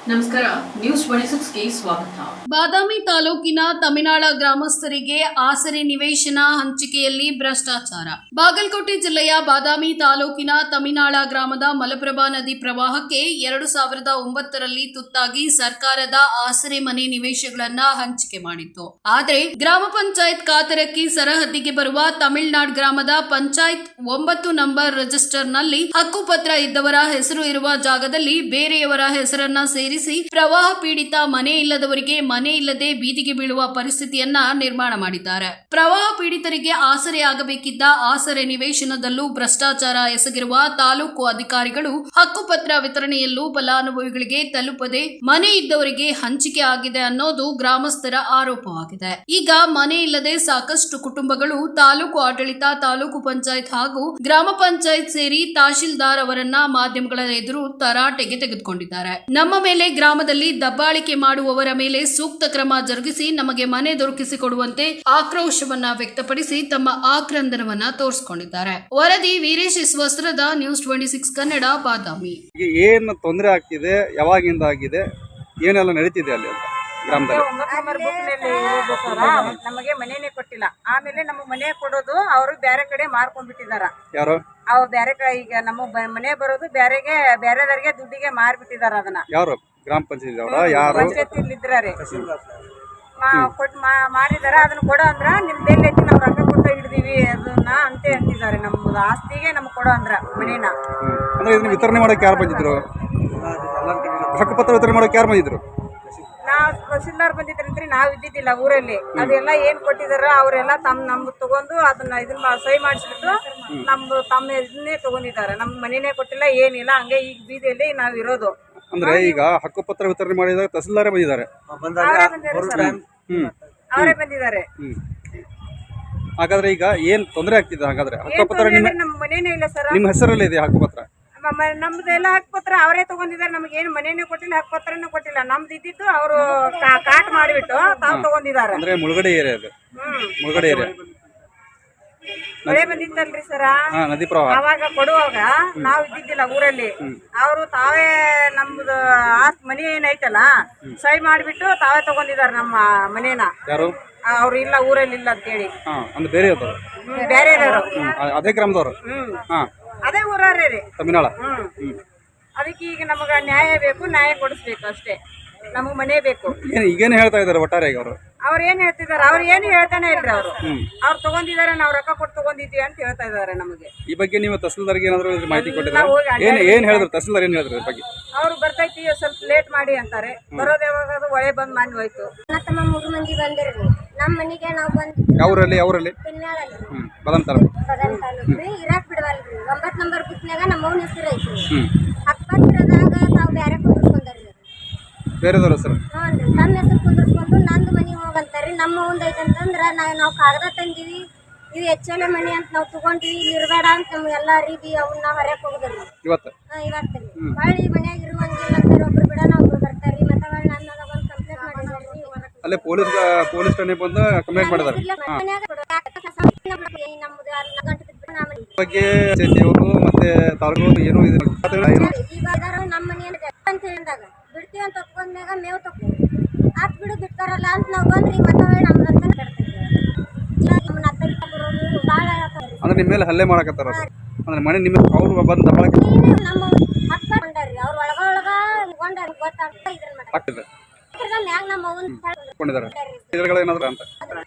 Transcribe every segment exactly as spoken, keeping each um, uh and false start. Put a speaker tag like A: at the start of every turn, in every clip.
A: ನಮಸ್ಕಾರ, news twenty ಗೆ ಸ್ವಾಗತ.
B: ಬಾದಾಮಿ ತಾಲೂಕಿನ ತಮಿನಾಳ ಗ್ರಾಮಸ್ಥರಿಗೆ ಆಸರೆ ನಿವೇಶನ ಹಂಚಿಕೆಯಲ್ಲಿ ಭ್ರಷ್ಟಾಚಾರ. ಬಾಗಲಕೋಟೆ ಜಿಲ್ಲೆಯ ಬಾದಾಮಿ ತಾಲೂಕಿನ ತಮಿನಾಳ ಗ್ರಾಮದ ಮಲಪ್ರಭಾ ನದಿ ಪ್ರವಾಹಕ್ಕೆ ಎರಡು ಸಾವಿರದ ಒಂಬತ್ತರಲ್ಲಿ ತುತ್ತಾಗಿ ಸರ್ಕಾರದ ಆಸರೆ ಮನೆ ನಿವೇಶನಗಳನ್ನ ಹಂಚಿಕೆ ಮಾಡಿತ್ತು. ಆದರೆ ಗ್ರಾಮ ಪಂಚಾಯತ್ ಕಾತರಕ್ಕಿ ಸರಹದ್ದಿಗೆ ಬರುವ ತಮಿಳುನಾಡು ಗ್ರಾಮದ ಪಂಚಾಯತ್ ಒಂಬತ್ತು ನಂಬರ್ ರಿಜಿಸ್ಟರ್ನಲ್ಲಿ ಹಕ್ಕುಪತ್ರ ಇದ್ದವರ ಹೆಸರು ಇರುವ ಜಾಗದಲ್ಲಿ ಬೇರೆಯವರ ಹೆಸರನ್ನ ಸೇರಿಸಿ ಪ್ರವಾಹ ಪೀಡಿತ ಮನೆ ಇಲ್ಲದವರಿಗೆ ಮನೆ ಇಲ್ಲದೆ ಬೀದಿಗೆ ಬೀಳುವ ಪರಿಸ್ಥಿತಿಯನ್ನ ನಿರ್ಮಾಣ ಮಾಡಿದ್ದಾರೆ. ಪ್ರವಾಹ ಪೀಡಿತರಿಗೆ ಆಸರೆ ಆಗಬೇಕಿದ್ದ ಆಸರೆ ನಿವೇಶನದಲ್ಲೂ ಭ್ರಷ್ಟಾಚಾರ ಎಸಗಿರುವ ತಾಲೂಕು ಅಧಿಕಾರಿಗಳು ಹಕ್ಕುಪತ್ರ ವಿತರಣೆಯಲ್ಲೂ ಫಲಾನುಭವಿಗಳಿಗೆ ತಲುಪದೆ ಮನೆ ಇದ್ದವರಿಗೆ ಹಂಚಿಕೆ ಆಗಿದೆ ಅನ್ನೋದು ಗ್ರಾಮಸ್ಥರ ಆರೋಪವಾಗಿದೆ. ಈಗ ಮನೆ ಇಲ್ಲದೆ ಸಾಕಷ್ಟು ಕುಟುಂಬಗಳು ತಾಲೂಕು ಆಡಳಿತ, ತಾಲೂಕು ಪಂಚಾಯತ್ ಹಾಗೂ ಗ್ರಾಮ ಪಂಚಾಯತ್ ಸೇರಿ ತಹಶೀಲ್ದಾರ್ ಅವರನ್ನ ಮಾಧ್ಯಮಗಳ ಎದುರು ತರಾಟೆಗೆ ತೆಗೆದುಕೊಂಡಿದ್ದಾರೆ. ನಮ್ಮ ಮೇಲೆ ಗ್ರಾಮದಲ್ಲಿ ದಬ್ಬಾಳಿಕೆ ಮಾಡುವವರ ಮೇಲೆ ಸೂಕ್ತ ಕ್ರಮ ಜರುಗಿಸಿ ನಮಗೆ ಮನೆ ದೊರಕಿಸಿಕೊಡುವಂತೆ ಆಕ್ರೋಶವನ್ನ ವ್ಯಕ್ತಪಡಿಸಿ ತಮ್ಮ ಆಕ್ರಂದನವನ್ನ ತೋರಿಸಿಕೊಂಡಿದ್ದಾರೆ. ವರದಿ ವೀರೇಶ್ ವಸ್ತ್ರದ news twenty six Kannada, Badami.
C: ಏನು ತೊಂದರೆ ಆಗ್ತಿದೆ, ಯಾವಾಗಿಂದ ಆಗಿದೆ, ಏನೆಲ್ಲ ನಡೀತಿದೆ ಅಲ್ಲಿ ಅಂತ ಗ್ರಾಮದಲ್ಲಿ?
D: ನಮಗೆ ಮನೆನೇ ಕೊಟ್ಟಿಲ್ಲ. ಆಮೇಲೆ ನಮಗೆ ಮನೆ ಕೊಡೋದು ಅವರು ಬೇರೆ ಕಡೆ ಮಾರ್ಕೊಂಡ್ಬಿಟ್ಟಿದಾರ.
C: ಯಾರು
D: ಅವ್ ಬೇರೆ ಕಡೆ ಈಗ ನಮ್ಮ ಮನೆ ಬರೋದು ಬೇರೆಗೆ ಬೇರೆದವರಿಗೆ ದುಡ್ಡಿಗೆ ಮಾರ್ಬಿಟ್ಟಿದಾರ. ಅದನ್ನ
C: ಯಾರು ಗ್ರಾಮ ಪಂಚಾಯತ್ ಅವರ ಯಾರು
D: ಪಂಚಾಯತ್ ಇದ್ರಾರೆ ಕೊಟ್ಟು ಮಾರಿದಾರ. ಅದನ್ನ ಕೊಡೋ ಅಂದ್ರ ನಿಮ್ ಬೆಲೆ ಐತಿ, ನಾವ್ ರೊಕ್ಕ ಕೊಟ್ಟು ಹಿಡ್ದೀವಿ ಅದನ್ನ ಅಂತ ಅಂತಿದ್ದಾರೆ. ನಮ್ದು ಆಸ್ತಿಗೆ ನಮ್ಗೆ ಕೊಡೋ ಅಂದ್ರ ಮನೇನ.
C: ಅಂದ್ರೆ ಇದನ್ನ ವಿತರಣೆ ಮಾಡಕ್ಕೆ ಯಾರು ಬಂದಿದ್ರು? ಹಕ್ಕುಪತ್ರ ವಿತರಣೆ ಮಾಡಕ್ಕೆ ಯಾರು ಬಂದಿದ್ರು?
D: ನಾವ್ ತಹಸೀಲ್ದಾರ್ ಬಂದಿದ್ರಂತ್ರಿ, ನಾವ್ ಇದ್ದಿದ್ದಿಲ್ಲ ಊರಲ್ಲಿ. ಅದೆಲ್ಲ ಏನ್ ಕೊಟ್ಟಿದಾರ ಅವರೆಲ್ಲ ತಮ್ಮ ನಮ್ದು ತಗೊಂಡು ಅದನ್ನ ಇದನ್ನ ಸಹಿ ಮಾಡಿಸ್ಬಿಟ್ಟು ನಮ್ದು ತಮ್ಮ ಇದನ್ನೇ ತಗೊಂಡಿದ್ದಾರೆ. ನಮ್ ಮನೇನೆ ಕೊಟ್ಟಿಲ್ಲ, ಏನಿಲ್ಲ. ಹಂಗೆ ಈಗ ಬೀದಿಯಲ್ಲಿ ನಾವ್ ಇರೋದು.
C: ಅಂದ್ರೆ ಈಗ ಹಕ್ಕುಪತ್ರ ವಿತರಣೆ ಮಾಡಿದಾಗ ತಹಸೀಲ್ದಾರೇ ಬಂದಿದ್ದಾರೆ.
D: ಅವರೇ ಬಂದಿದ್ದಾರೆ.
C: ಹಾಗಾದ್ರೆ ಈಗ ಏನ್ ತೊಂದರೆ ಆಗ್ತಿದೆ? ಹಾಗಾದ್ರೆ ಹಕ್ಕುಪತ್ರ
D: ನಮ್ ಮನೇನೇ ಇಲ್ಲ ಸರ್.
C: ನಿಮ್ಮ ಹೆಸರಲ್ಲೇ ಇದೆ ಹಕ್ಕುಪತ್ರ?
D: ನಮ್ದೆಲ್ಲ ಹಕ್ಕುಪತ್ರ ಅವರೇ ತಗೊಂಡಿದ್ದಾರೆ. ನಮ್ಗೆ ಏನು ಮನೇನೆ ಕೊಟ್ಟಿಲ್ಲ, ಹಕ್ಕುಪತ್ರನೂ ಕೊಟ್ಟಿಲ್ಲ. ನಮ್ದು ಇದ್ದಿದ್ದು ಅವರು ಕಾಟ್ ಮಾಡಿಬಿಟ್ಟು ತಾವು ತಗೊಂಡಿದ್ದಾರೆ.
C: ಅಂದ್ರೆ ಮುಳುಗಡೆ ಏರಿಯಾ ಅದು. ಮುಳುಗಡೆ ಏರಿಯಾ
D: ಮಳೆ ಬಂದಿತ್ತಲ್ರಿ ಸರ,
C: ನದಿ ಪ್ರವಾಹ.
D: ಅವಾಗ ಕೊಡುವಾಗ ನಾವ್ ಇದ್ದಿದ್ದಿಲ್ಲ ಊರಲ್ಲಿ. ಅವರು ತಾವೇ ನಮ್ದು ಆಸ್ತಿ ಮನೆ ಏನೈತಲ್ಲ ಸಹಿ ಮಾಡಿಬಿಟ್ಟು ತಾವೇ ತಗೊಂಡಿದ್ದಾರೆ ನಮ್ಮ ಮನೇನ.
C: ಯಾರು?
D: ಅವ್ರು ಇಲ್ಲ ಊರಲ್ಲಿ ಇಲ್ಲ ಅಂತೇಳಿ.
C: ಅಂದ್ರೆ ಬೇರೆ
D: ಬೇರೆ
C: ಅದೇ ಗ್ರಾಮದವರು. ಹಾ,
D: ಅದೇ ಊರವ್ರೇ ರೀ,
C: ತಮಿನಾಳ.
D: ಹ್ಮ್ ಅದಕ್ಕೆ ಈಗ ನಮಗ ನ್ಯಾಯ ಬೇಕು, ನ್ಯಾಯ ಕೊಡಿಸ್ಬೇಕು ಅಷ್ಟೇ. ನಮಗ್ ಮನೆ ಬೇಕು.
C: ಈಗೇನು ಹೇಳ್ತಾ ಇದಾರೆ ಒಟ್ಟಾರೆ ಅವರು?
D: ಅವ್ರು ಏನ್ ಹೇಳ್ತಿದಾರೆ? ಅವ್ರು ಏನು ಹೇಳ್ತಾನೆ ಇಲ್ರಿ. ಅವರು ಅವ್ರು ತಗೊಂಡಿದ್ದಾರೆ, ನಾವ್ ರೊಕ್ಕ ಕೊಟ್ಟು ತಗೊಂಡಿದ್ವಿ ಅಂತ ಹೇಳ್ತಾ ಇದಾರೆ ನಮಗೆ.
C: ಈ ಬಗ್ಗೆ ನೀವು ತಹಸೀಲ್ದಾರ್ಗೆ ಏನಾದ್ರು ಮಾಹಿತಿ ಕೊಟ್ಟಿದ್ರೆ? ಏನ್ ಏನ್ ಹೇಳಿದ್ರು ತಹಸೀಲ್ದಾರ್? ಏನ್ ಹೇಳಿದ್ರು ಬಗ್ಗೆ?
D: ಅವ್ರು ಬರ್ತೈತಿ ಸ್ವಲ್ಪ ಲೇಟ್ ಮಾಡಿ ಅಂತಾರೆ. ಬರೋದ್ ಯಾವಾಗ? ಅದು ಒಳ್ಳೆ ಬಂದ್ ಮಾಡಿ ಹೋಯ್ತು.
E: ತಮ್ಮ ಮೂರು ಮಂದಿ ಬಂದಿರ್ರಿ ನಮ್ಮ ಮನೆಗೆ. ನಾವು ಬಂದ್
C: ಯಾವ್ರಲ್ಲಿ? ಯಾವ್ರಲ್ಲಿ? ಹ್ಮ್ ಬಾದಾಮಿ ತಾಲೂಕು.
E: ಬಾದಾಮಿ ತಾಲೂಕು ರೀ. ಇರಾಕ್ ಬಿಡವಲ್ರಿ. ಒಂಬತ್ ನಂಬರ್ ಬುಕ್ನಾಗ ನಮ್ಮ ಅವ್ನ ಹೆಸರು ಐತಿ. ಹಕ್ಕಪತ್ರದಾಗ ತಾವು ಬೇರೆ ಕುಂದಿರ್ಸ್ಕೊಂಡ್ರಿ.
C: ಬೇರೆದವ್ರ ಹೆಸರು?
E: ಹ್ಞೂ ರೀ. ನಮ್ಮ ಹೆಸರು ಕುಂದಿರ್ಸ್ಕೊಂಡು ನಂದು ಮನೆ ಹೋಗಂತಾರ್ರಿ. ನಮ್ಮ ಅವ್ನ ಐತಂತಂದ್ರ ನಾವು ನಾವು ಕಾಗದ ತಂದಿವಿ, ಇದು ಎಚ್ ಎಲ್ ಎ ಮನೆ ಅಂತ ನಾವು ತಗೊಂಡ್ವಿ, ಇಲ್ಲಿ ಇರಬೇಡ ಅಂತ ನಮ್ಗೆ ಎಲ್ಲಾರಿಗೆ ಅವನ್ನ ಹೊರಕ್ಕೆ ಹೋಗುದ್ರಿ
C: ಇವತ್ತು.
E: ಹಾಂ ಇವತ್ತು ರೀ. ಹೊಳ್ಳಿ ಮನ್ಯಾಗ ಇರುವಂಗಿಲ್ಲ ಅಂತಾರೆ. ಒಬ್ರು ಬಿಡೋಣ ಒಬ್ರು ಬರ್ತಾರ್ರಿ. ಮತ್ತೆ ಹೊಳ್ಳಿ ನನ್ನ ಒಂದು ಕಂಪ್ಲೇಂಟ್ ಮಾಡಿದಾರೆ.
C: ಅಲ್ಲೇ ಪೊಲೀಸ್ ಪೊಲೀಸ್ ಠಾಣೆ ಬಂದು ಕಂಪ್ಲೇಂಟ್ ಮಾಡಿದ್ದಾರೆ. ಬಗ್ಗೆ ಅವರು ಮತ್ತೆ ತಾಲೂಕು ಏನು ಇದು
E: ನಮ್ಮ ಮನೆ ಅಂತ ಹೇಳಿದಾಗ ಬಿಡ್ತೀವಿ ಅಂತ ಒಪ್ಕೊಂಡ್ಮ್ಯಾಗ ಮೇವು ತಗೋ ಆತ್ ಬಿಡು ಬಿಡ್ತಾರಲ್ಲ ಅಂತ ನಾವು ಬಂದ್ರಿ. ಮತ್ತೆ ನಮ್ದಂತ ಭಾಳ
C: ಅಂದ್ರೆ ನಿಮ್ಮ ಮೇಲೆ ಹಲ್ಲೆ ಮಾಡಕತ್ತಾರ. ಅಂದ್ರೆ ಮನೆ ನಿಮ್ಮ ಅವ್ರು ಬಂದು ದಬ್ಬಾಳಿಕೆ
E: ನಮ್ಮ ಹಕ್ಕ ಕೊಂಡಾರ್ರಿ. ಅವ್ರ ಒಳಗ ಒಳಗ ಕೊಂಡಾರ ಗೊತ್ತಾಗ್ತ ಇದನ್ನ ಮಾಡ್ತಾರೆ. ಮ್ಯಾಗ ನಮ್ಮ ಅವ್ವನ್
C: ಕೊಂಡಿದ್ದಾರೆ ಇದ್ರಗಳೇನಾದ್ರು ಅಂತ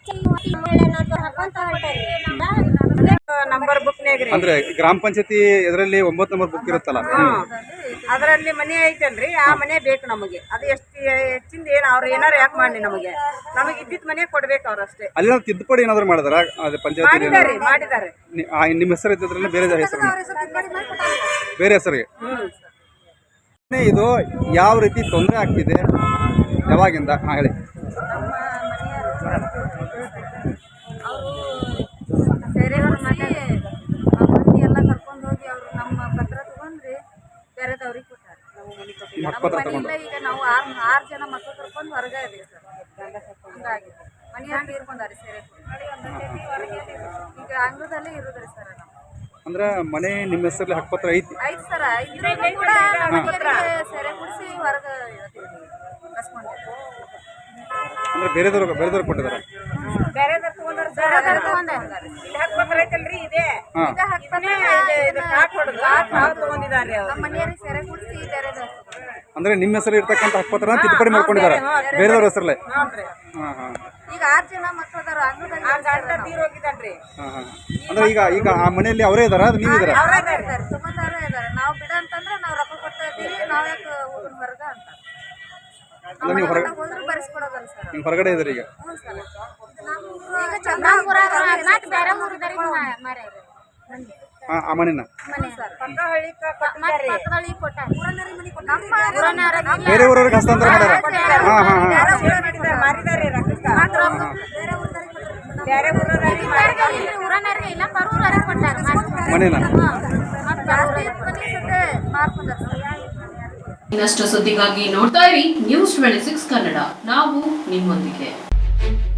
D: ನಂಬರ್ ಬುಕ್ನಾಗ್ರಿ.
C: ಅಂದ್ರೆ ಗ್ರಾಮ ಪಂಚಾಯತಿ ಇದರಲ್ಲಿ ಒಂಬತ್ತು ನಂಬರ್ ಬುಕ್ ಇರುತ್ತಲ್ಲ,
D: ಅದರಲ್ಲಿ ಮನೆ ಐತಲ್ರಿ, ಆ ಮನೆ ಬೇಕು ನಮಗೆ. ಅದು ಎಷ್ಟು ಹೆಚ್ಚಿಂದ ಏನ್ ಅವ್ರು ಏನಾರು ಯಾಕೆ ಮಾಡಿ ನಮಗೆ ನಮಗೆ ಇದ್ದಿದ್ ಮನೆ ಕೊಡ್ಬೇಕು ಅವ್ರು ಅಷ್ಟೇ.
C: ಅಲ್ಲಿ ತಿದ್ದುಪಡಿ ಏನಾದ್ರು ಮಾಡಿದಾರ ಪಂಚಾಯತಿ?
D: ಮಾಡಿದಾರೆ ಮಾಡಿದ್ದಾರೆ.
C: ನಿಮ್ಮ ಹೆಸರು ಇದ್ದಿದ್ರಲ್ಲಿ ಬೇರೆ ಹೆಸರು, ಬೇರೆ ಹೆಸರಿಗೆ. ಇದು ಯಾವ ರೀತಿ ತೊಂದರೆ ಆಗ್ತಿದೆ, ಯಾವಾಗಿಂದ? ಹಾಂ ಹೇಳಿ.
D: ಅವರು ಬೇರೆಯವ್ರ ಮನೆ ಮಂದಿ ಎಲ್ಲ ಕರ್ಕೊಂಡು ಹೋಗಿ ಅವರು ನಮ್ಮ ಪತ್ರ ತಗೊಂಡ್ರಿ ಬೇರೆದವ್ರಿಗೆ ಕೊಟ್ಟಾರೆ. ನಮ್ಮ ಮನೆ ಇಲ್ಲ. ಈಗ ನಾವು ಆರು ಆರು ಜನ ಮಕ್ಕಳು ಕರ್ಕೊಂಡು ಹೊರಗೆ ಇದೀವಿ ಸರ್. ಹಂಗಾಗಿದೆ. ಮನೆಯಲ್ಲಿ ತೀರ್ಕೊಂಡಾರೆ ಸೇರೆ. ಈಗ ಅಂಗಳದಲ್ಲೇ ಇರೋದ್ರಿ ಸರ್ ನಾವು.
C: ಅಂದ್ರೆ ಮನೆ ನಿಮ್ಮ ಹೆಸರಲ್ಲಿ ಹಕ್ಕುಪತ್ರ ಐತಿ.
D: ಐದು ಸರ ಇದ್ರೂ ಕೂಡ ಮನೆಯವರಿಗೆ ಸೆರೆ ಕುಡಿಸಿ ಹೊರಗೆ ಕಸ್ಕೊಂಡಿದ್ದಾರೆ.
C: ಅಂದ್ರೆ ಬೇರೆದವ್ರು ಬೇರೆದವ್ರು ಕೊಟ್ಟಿದ್ದಾರೆ.
D: ಬೇರೆದವ್ರು ತಗೊಂಡಾರ ಬೇರೆದವ್ರು ತಗೊಂಡಾರ. ಇಲ್ಲಿ ಹಕ್ಕುಪತ್ರ ಐತಲ್ರಿ ಇದೆ.
C: ಹಾಂ
D: ಈಗ ಹಕ್ಕುಪತ್ರ ಇದು ಕಾಟ್ ಹೊಡೆದು ಕಾಟ್ ತಗೊಂಡಿದ್ದಾರೆ ಅವರು. ನಮ್ಮ ಮನೆಯವರಿಗೆ ಸೆರೆ ಕುಡಿಸಿ ಬೇರೆದವ್ರು
C: ಅಂದ್ರೆ ನಿಮ್ಮ ಹೆಸರು ಇರ್ತಕ್ಕಂಥ ಹಕ್ಕುಪತ್ರ ತಿದ್ದುಪಡಿ ಮಾಡ್ಕೊಂಡಿದ್ದಾರೆ ಬೇರೆದವ್ರ ಹೆಸರಲ್ಲೇ. ಹಾಂ ಹಾಂ
D: ಈಗ ಆರು ಜನ ಮಕ್ಕಳು ಅದಾರ. ಅಂಗದಾಗ ತೀರ್ ಹೋಗಿದ್ದಾನ್ರಿ.
C: ಹಾಂ ಹಾಂ ಅಂದ್ರೆ ಈಗ ಈಗ ಆ ಮನೆಯಲ್ಲಿ ಅವರೇ ಇದಾರ ಅದು ನೀವು ಇದಾರ?
D: ಅವರೇ ಇದ್ದಾರೆ, ತಗೊಂಡಾರೇ ಇದ್ದಾರೆ. ನಾವು ಬಿಡ ಅಂತಂದ್ರೆ ನಾವು ರೊಕ್ಕ ಕೊಡ್ತಾ ಇದ್ದೀವಿ, ನಾವು ಯಾಕೆ ಹೋಗೋಣ ಹೊರಗ ಅಂತ
C: ಅಂದ್ರೆ ನೀವು ಹೊರಗಡೆ
D: ಹೋದ್ರೆ ಬರೆಸ್ಕೊಡೋದಲ್ಲ ಸರ್.
C: ನೀವು ಹೊರಗಡೆ ಇದ್ದೀರಿ ಈಗ?
D: ಹ್ಞೂ ಸರ್. ಈಗ ಚಂದ್ರಾಪುರ ಬೇರೆ ಊರಿದ್ದಾರೆ ಮಾರ್ಯಾರ
C: ಹಾಂ ಆ ಮನೆನ
D: ಮನೆ ಸರ್. ಪಕ್ಕಹಳ್ಳಿ ಪಕ್ಕದಳ್ಳಿ ಕೊಟ್ಟ ನಮ್ಮ
C: ಬೇರೆ ಊರವ್ರಿಗೆ ಹಸ್ತಾಂತರ ಮಾಡ್ಯಾರ. ಹಾಂ ಹಾಂ ಹಾಂ
D: ಮಾರಿದ್ದಾರೆ ಬೇರೆ ಊರನವ್ರಿಗೆ ಇಲ್ಲ ಬರೂರವ್ರಿಗೆ ಕೊಟ್ಟಾರ
C: ಮನೆನ.
A: ಇನ್ನಷ್ಟು ಸುದ್ದಿಗಾಗಿ ನೋಡ್ತಾ ಇರಿ ನ್ಯೂಸ್ ಟ್ವೆಂಟಿ ಸಿಕ್ಸ್ ಕನ್ನಡ. ನಾವು ನಿಮ್ಮೊಂದಿಗೆ.